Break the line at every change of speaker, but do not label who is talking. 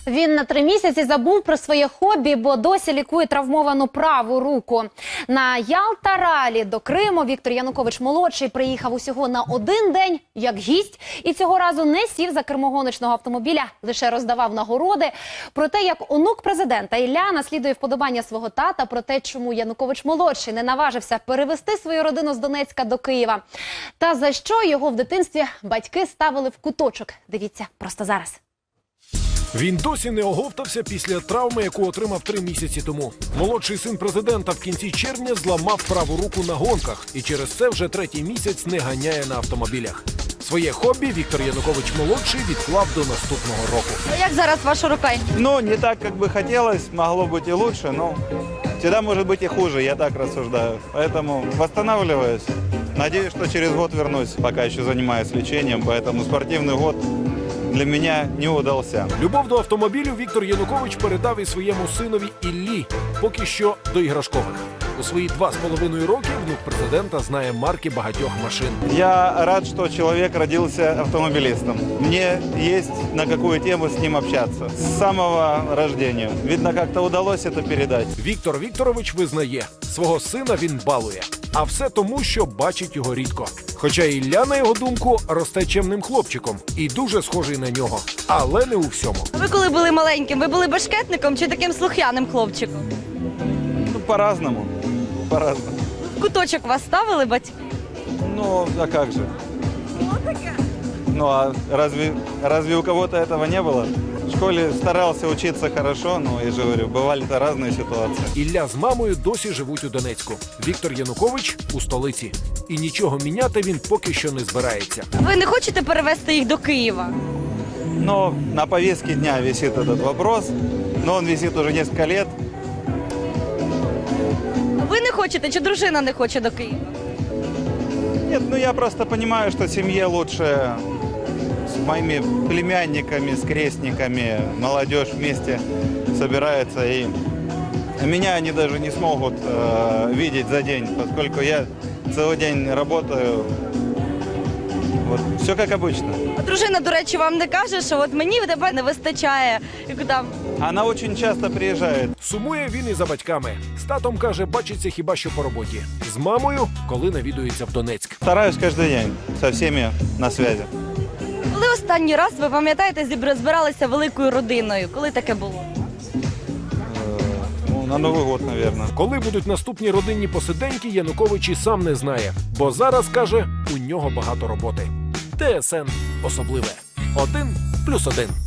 Він на 3 місяці забув про своє хобі, бо досі лікує травмовану праву руку. На Ялта-ралі до Криму Віктор Янукович-молодший приїхав усього на 1 день як гість. І цього разу не сів за кермо гоночного автомобіля, лише роздавав нагороди. Про те, як онук президента Ілля наслідує вподобання свого тата, про те, чому Янукович-молодший не наважився перевести свою родину з Донецька до Києва. Та за що його в дитинстві батьки ставили в куточок. Дивіться просто зараз.
Він досі не оговтався після травми, яку отримав 3 місяці тому. Молодший син президента в кінці червня зламав праву руку на гонках і через це вже 3-й місяць не ганяє на автомобілях. Своє хобі Віктор Янукович-молодший відклав до наступного року.
Як зараз ваша рука?
Ну, не так, как бы хотелось, могло быть и лучше, но всегда может быть и хуже, я так рассуждаю. Поэтому восстанавливаюсь. Надеюсь, что через год вернусь, пока еще занимаюсь лечением, поэтому спортивный год для меня не удался.
Любов до автомобілів Віктор Янукович передав і своєму синові Іллі, поки що до іграшкових. У свої 2,5 роки внук президента знає марки багатьох машин.
Я рад, что человек родился автомобилистом. Мне есть на какую тему с ним общаться. С самого рождения. Видно, как-то удалось это передать.
Віктор Вікторович визнає, свого сина він балує. А все тому, що бачить його рідко. Хоча Ілля, на його думку, росте чемним хлопчиком і дуже схожий на нього. Але не у всьому.
Ви коли були маленьким, ви були башкетником чи таким слух'яним хлопчиком?
Ну, по-разному. По-разному.
В куточок вас ставили батьки?
Ну, а как же? Ну, а разве у кого-то этого не было? В школе старался учиться хорошо, но, я же говорю, бывали-то разные ситуации.
Ілля з мамою досі живуть у Донецьку. Віктор Янукович у столиці. І нічого міняти він поки що не збирається.
Ви не хочете перевезти їх до Києва?
Но на повестке дня висит этот вопрос, но он висит уже несколько лет.
Ви не хочете, чи дружина не хоче до Києва?
Нет, ну я просто понимаю, что семье лучше с моими племянниками, с крестниками, молодежь вместе собирается, и меня они даже не смогут видеть за день, поскольку я целый день работаю. Вот, все как обычно.
А дружина, до речі, вам не каже, що от мені тебе не вистачає, як там,
Она очень часто приезжает.
Сумує він і за батьками. З татом, каже, бачиться хіба що по роботі. З мамою, коли навідується в Донецьк.
Стараюсь каждый день со всеми на связи.
коли останній раз, ви пам'ятаєте, збиралися великою родиною? Коли таке було?
Ну, на Новый год, наверное.
Коли будуть наступні родинні посиденьки, Янукович і сам не знає. Бо зараз, каже, у нього багато роботи. ТСН особливе. 1+1.